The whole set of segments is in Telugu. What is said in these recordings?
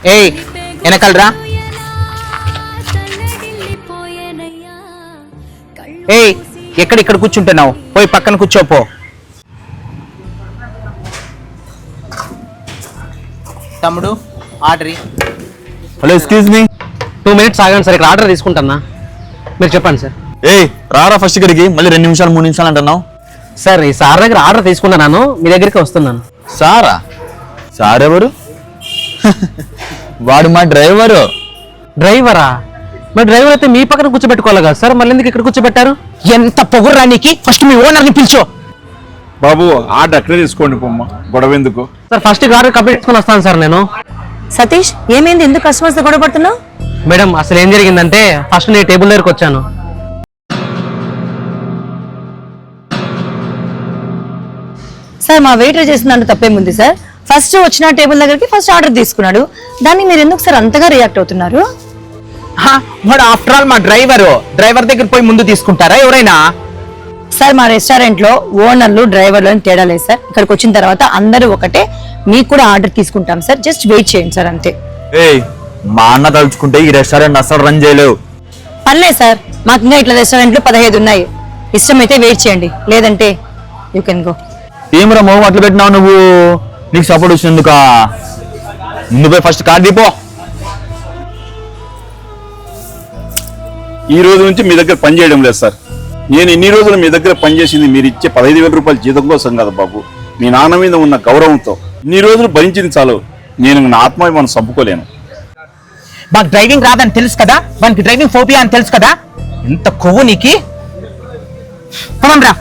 ఏయ్ వెనకాలరా. ఏయ్ ఎక్కడిక్కడ కూర్చుంటున్నావు? పోయి పక్కన కూర్చోపో. తమ్ముడు order. Hello excuse me, 2 minutes ఆగండి సార్, ఇక్కడ ఆర్డర్ తీసుకుంటున్నా. మీరు చెప్పండి సార్. ఏయ్ రారా ఫస్ట్ ఇక్కడికి, మళ్ళీ 2 నిమిషాలు 3 నిమిషాలు అంటున్నావు. సార్ ఈ సార్ దగ్గర ఆర్డర్ తీసుకుంటున్నాను, మీ దగ్గరికి వస్తున్నాను. సారా? సార్ ఎవరు? వాడు మా డ్రైవరు. డ్రైవరా? మరి డ్రైవర్ అయితే మీ పక్కన కూర్చోబెట్టుకోవాలి కదా సార్, మళ్ళీ ఎందుకు ఇక్కడ కూర్చోబెట్టారు? ఎంత పొగుర్రా నీకి? ఫస్ట్ మీ ఓనర్ని పిలిచో. బాబు ఆర్డర్ అక్కడే తీసుకోండి పొమ్మ, గొడవ ఎందుకు? సార్ ఫస్ట్ ఆర్డర్ కంప్లీట్ చేసుకుని వస్తాను సార్ నేను. సతీష్ ఏమైంది, ఎందుకు కస్టమర్స్ తో గొడవ పడుతున్నావు? మేడం అసలు ఏం జరిగిందంటే ఫస్ట్ నేను టేబుల్ దగ్గరకు వచ్చాను. సార్ మా వెయిటర్ చేసిన దాంట్లో తప్పేముంది సార్? ఫస్ట్ వచ్చిన టేబుల్ దగ్గరికి ఫస్ట్ ఆర్డర్ తీసుకున్నాడు, దాన్ని మీరు ఎందుకు సార్ అంతగా రియాక్ట్ అవుతున్నారు? వాడు ఆఫ్టర్ ఆల్ మా డ్రైవర్ దగ్గర పోయి ముందు తీసుకుంటారా ఎవరైనా? సార్ మా రెస్టారెంట్ లో ఓనర్లు డ్రైవర్లు అని తేడా లేదు సార్. ఇక్కడికి వచ్చిన తర్వాత అందరూ ఒకటే, మీకు కూడా ఆర్డర్ తీసుకుంటాం సార్, జస్ట్ వెయిట్ చేయండి సార్ అంతే. ఏయ్ మా అన్న తలుచుకుంటే ఈ రెస్టారెంట్ అసలు రన్ చేయలేవు. పర్లేదు సార్, మాకు ఇంకా ఇట్లా రెస్టారెంట్లు 15 ఉన్నాయి. ఇష్టమైతే వెయిట్ చేయండి, లేదంటే యూ కెన్ గో. ఏమరా మొహం అట్లా పెట్టినావు నువ్వు? నీకు సపోర్ట్ వచ్చినందుక ముందు పోయి ఫస్ట్ కార్డు దీపో. ఈ రోజు నుంచి మీ దగ్గర పని చేయడం లేదు సార్. నేను ఇన్ని రోజులు మీ దగ్గర పనిచేసింది మీరు ఇచ్చే 15,000 రూపాయల జీతం కోసం కదా బాబు, మీ నాన్న మీద ఉన్న గౌరవంతో. ఇన్ని రోజులు భరించింది చాలు, నేను నా ఆత్మాభిమానం చంపుకోలేను. మాకు డ్రైవింగ్ రాదని తెలుసు కదా, మనకి డ్రైవింగ్ ఫోబియా అని తెలుసు కదా. ఎంత కొవ్వు నీకి? రా.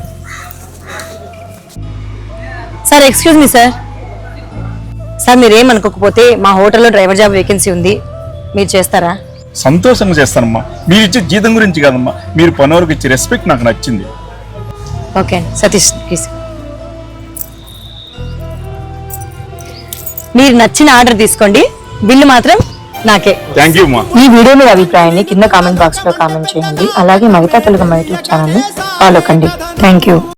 Sir excuse me sir. Sir మీరేమనుకోకపోతే మా హోటల్లో డ్రైవర్ జాబ్ వేకెన్సీ ఉంది, మీరు చేస్తారా? సంతోషంగా చేస్తానమ్మా. మీరు ఇచ్చే జీతం గురించి కాదమ్మా, మీరు పనివారికి ఇచ్చే రెస్పెక్ట్ నాకు నచ్చింది. Okay Satish please. మీరు నచ్చిన ఆర్డర్ తీసుకోండి, బిల్లు మాత్రం నాకే. థ్యాంక్ యూ అమ్మా. ఈ వీడియో మీద అభిప్రాయాన్ని కింద కామెంట్ బాక్స్ లో కామెంట్ చేయండి. అలాగే మహితా తెలుగు యూట్యూబ్ ఛానల్ ని ఫాలో కండి. Thank you.